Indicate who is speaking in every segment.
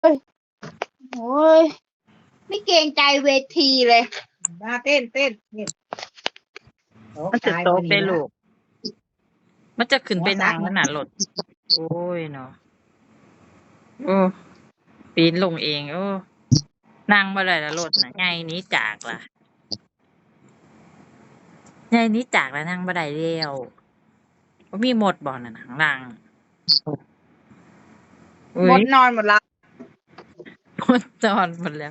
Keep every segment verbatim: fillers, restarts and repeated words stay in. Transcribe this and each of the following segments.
Speaker 1: ยโอ้ยไม่เกรงใจเวทีเลย
Speaker 2: มาเต้นเต้นเต้น
Speaker 3: มันจะโตไปลูกมันจะขึ้นไปนั่งขนาดรถโอ้ยเนาะโอ้ปีนลงเองโอ้นั่งบ่ได้ละรถน่ะใหญ่หนี้จากล่ะใหญ่หนี้จากแล้วนั่งบ่ได้แล้วบ่มีหมดบ่นั่นน่ะข้างล่างอุ๊
Speaker 1: หม
Speaker 3: ย
Speaker 1: ดนอนหมดละ
Speaker 3: หมดจอนหมดแล้ว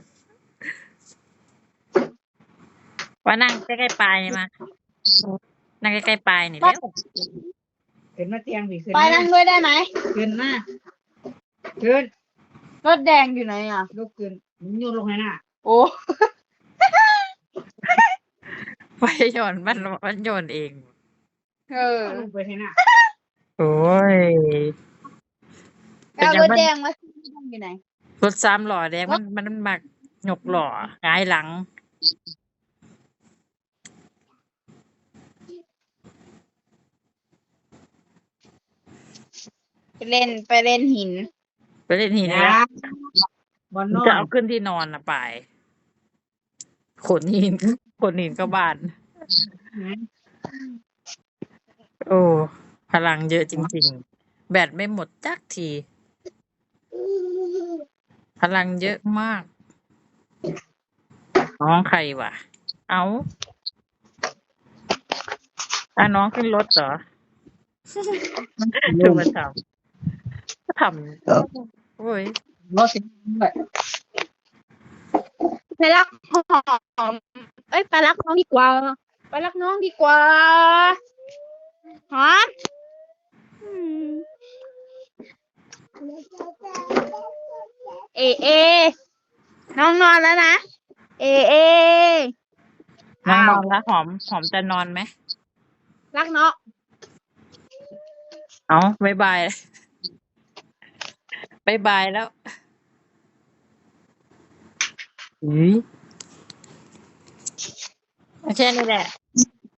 Speaker 3: ว่านั่งใกล้ๆปลายมานั่งใกล้ๆปลายนี่เร็ว
Speaker 2: ขึ้นมาเตียงผีขึ้น
Speaker 1: ไปนั่งด้วยได้ไหม
Speaker 2: ขึ้นมาขึ้น
Speaker 1: รถแดงอยู่ไหนอ่ะ
Speaker 2: ลุกขึ้นโยนลงให้หน้า
Speaker 1: โอ้
Speaker 3: ไฟโยนมันมันโยนเอง
Speaker 1: เออ
Speaker 2: ลงไปให้หน้า
Speaker 3: โอ้ย
Speaker 1: เอารถแดงมาอยู่ไหน
Speaker 3: รถสามล้อแดงมันมันมักยกล้อหงายหลัง
Speaker 1: ไปเล่นไปเล่นหิน
Speaker 3: ไปเล่นหิน
Speaker 2: อ
Speaker 3: แล้
Speaker 2: ย่าว บอลนอ
Speaker 3: จะ
Speaker 2: น
Speaker 3: เอาขึ้นที่นอนนะไปขนหินขนหินก็บาน โอ้พลังเยอะจริงๆ แบตไม่หมดจักที พลังเยอะมาก น้องใครวะ เอาอ่ะน้องขึ้นรถเหรอคือมาทำทำโอ้ย
Speaker 2: รถสิบแบบ
Speaker 1: ไปรักหอมเอ้ยไปรักน้องดีกว่า ไปรักน้องดีกว่าฮะอืมเอเอ น้องนอนแล้วนะ เอเอ
Speaker 3: น้องน
Speaker 1: อ้า
Speaker 3: อ
Speaker 1: วน
Speaker 3: แล้วหอมหอมจะนอนไหม
Speaker 1: รักเนาะ
Speaker 3: เอาบายบายบายบายแล้วอุ้ยแค่นี้แหละ